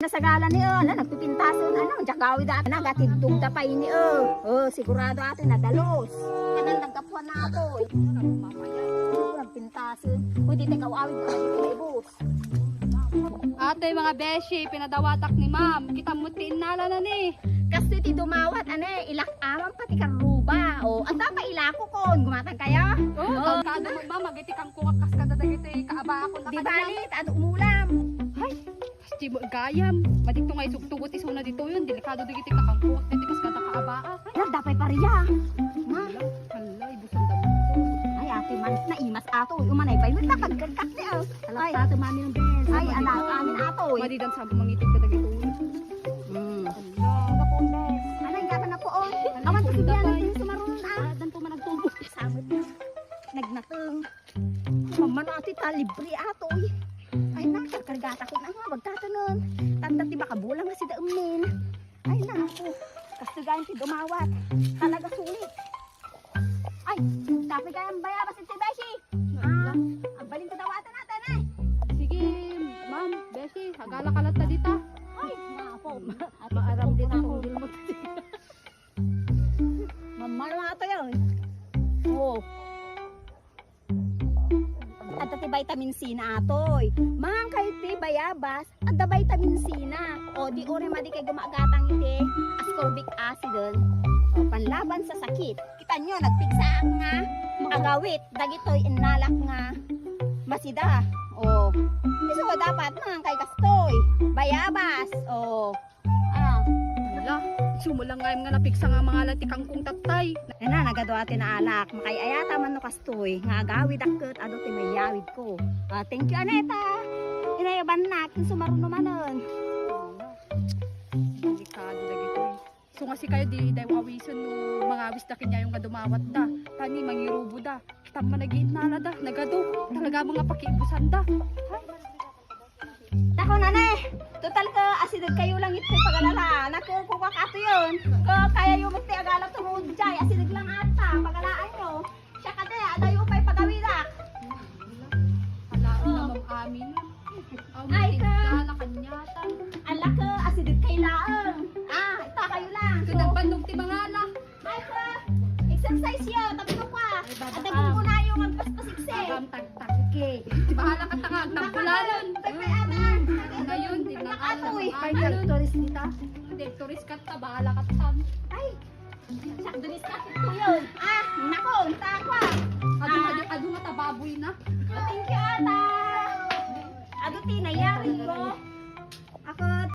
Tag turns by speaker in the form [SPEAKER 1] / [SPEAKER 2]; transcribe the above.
[SPEAKER 1] sasagalan ni nagpipintason jagawi da na gatidug da pay ni sigurado ato nadalos kanan nagkapuan na ako nagpintason pwede tekaw awid ka dito ibus.
[SPEAKER 2] Ate mga beshi, pinadawatak ni ma'am. Kita mo tinala na ni.
[SPEAKER 1] Kasi ti dumawat ilak amang pati karuba. Ang tapa ilako kon gumatang kaya.
[SPEAKER 2] Kado mo ma'am, magiti kang kuwakas ka dadagiti kaaba ako na
[SPEAKER 1] di balit at umulam.
[SPEAKER 2] Ay, kasi mo gayam. Madito nga isugtugot isuna dito yun. Delikado digiti kakang kuwak dito kas kada kaaba.
[SPEAKER 1] Ay, dapay pariya. Ma,
[SPEAKER 2] hala, ibusan damo.
[SPEAKER 1] ay ate man na imas ato. Umanay pa yun nakagkagkat ni Alak sa ato mami ng bes. Ay, anak amin ato.
[SPEAKER 2] Madidan sa mangitig ka dagito.
[SPEAKER 1] Anay gata na po awan to bigyan din sumaron dan po managtubo samot nagnateng mamanati ta libre ato ay nakakargata ko na nga magtatanon tanda ti baka bulang na si Daamin ay naku kastigayan ti dumawat talaga sulit ay tapi kayang bayabas ti Beshi ang baling kadawatan natin
[SPEAKER 2] Sige, ma'am, beshi, hagala kalat na dita.
[SPEAKER 1] ay mapo maaram din akong dilmot mamano ato yun at ti vitamin C na atoy mahang kay ti bayabas at da vitamin C na di ore madi kay gumagatang iti ascorbic acid panlaban sa sakit kita nyo nagpigsaak nga agawit dagitoy inalak nga masida so dapat mahang kay kastoy bayabas
[SPEAKER 2] Hala, sumulang nga napiksa nga mga latikang kong tatay.
[SPEAKER 1] nagado atin na alak makayayata man no kastoy nga agawid akket ado ti mayawid ko thank you Aneta inayaban na kin sumaruno manon
[SPEAKER 2] Delikado na gito. So nga si kayo di daw awisan no mga awis na kanya yung kadumawat da. Tani mangirubo da. Kita man nagiinala da. Nagado. Talaga mga pakiibusan da.
[SPEAKER 1] Nako nanay, total ka asidad kayo lang ito pagalala. Nakukuha ka ato yun. Kaya yung magti agalap tungod dyan. Asidad lang ata, pagalaan nyo. Siya ka de, adayo pa'y pagawidak.
[SPEAKER 2] Halaan naman amin.
[SPEAKER 1] Ay, ka.
[SPEAKER 2] Kala kanyatan.
[SPEAKER 1] Alak ka, asidad kayo laang. Ita kayo lang.
[SPEAKER 2] So, nagbandog ti mga ala.
[SPEAKER 1] Ay ka, exercise yun, tabi mo pa. At naging ko na yung magpaspasikse.
[SPEAKER 2] Agam tagtag. Bahala ka tangag. Nagpulalan.
[SPEAKER 1] Pagpay aman.
[SPEAKER 2] Ngayon, di na
[SPEAKER 1] Nakatoy.
[SPEAKER 2] alam.
[SPEAKER 1] Tourist nita.
[SPEAKER 2] Tourist ka ta. Bahala ka tam.
[SPEAKER 1] Ay, siya, dulis ka ko yun. Nako, takwa.
[SPEAKER 2] Ado nga ta baboy na.
[SPEAKER 1] Thank you, Ata. Ado, tinayari ko. Ako,